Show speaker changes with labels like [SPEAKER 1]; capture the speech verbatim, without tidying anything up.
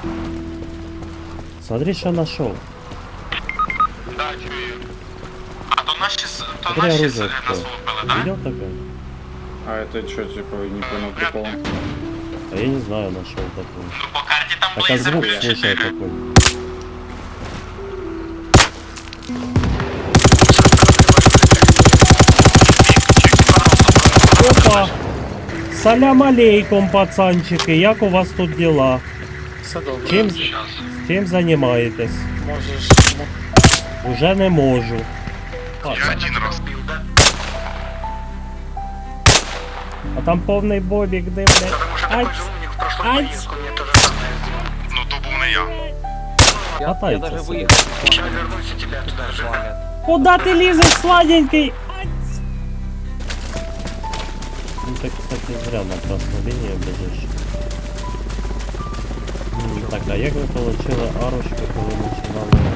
[SPEAKER 1] Смотри, что нашел.
[SPEAKER 2] Да, чую. А то наші, с- то
[SPEAKER 1] Смотри,
[SPEAKER 2] наші
[SPEAKER 1] оружие
[SPEAKER 2] с- нас
[SPEAKER 1] какое.
[SPEAKER 2] вилупили, да?
[SPEAKER 1] Видел такое?
[SPEAKER 3] А это что, типа, не понял прикол?
[SPEAKER 1] А я не знаю, нашел такое.
[SPEAKER 2] Ну по карті там
[SPEAKER 1] А как
[SPEAKER 2] Blazer
[SPEAKER 1] звук
[SPEAKER 2] плюс
[SPEAKER 1] слышал
[SPEAKER 2] чотири.
[SPEAKER 1] такой? Опа! Салям алейкум, пацанчики, як у вас тут дела?
[SPEAKER 4] Все добре.
[SPEAKER 1] Чим,
[SPEAKER 2] Щас.
[SPEAKER 1] чим займаєтесь?
[SPEAKER 4] Можеш.
[SPEAKER 1] Уже не можу.
[SPEAKER 2] Я один раз.
[SPEAKER 1] А там повний бобік, де, блядь?
[SPEAKER 5] Потому что
[SPEAKER 1] Ай,
[SPEAKER 5] такой же умник в прошлую
[SPEAKER 1] ай.
[SPEAKER 5] поездку мне то же самое сделал.
[SPEAKER 2] Ну то був не я.
[SPEAKER 4] Я, я
[SPEAKER 1] Катается
[SPEAKER 4] даже
[SPEAKER 1] себе.
[SPEAKER 4] выехал.
[SPEAKER 5] Сейчас вернусь и тебя туда же.
[SPEAKER 1] Куда ти лізеш, сладенький? Ай. Ну ты, кстати, зря на красну лінію біжиш. М, Так, а як ви отримали арочку, коли починали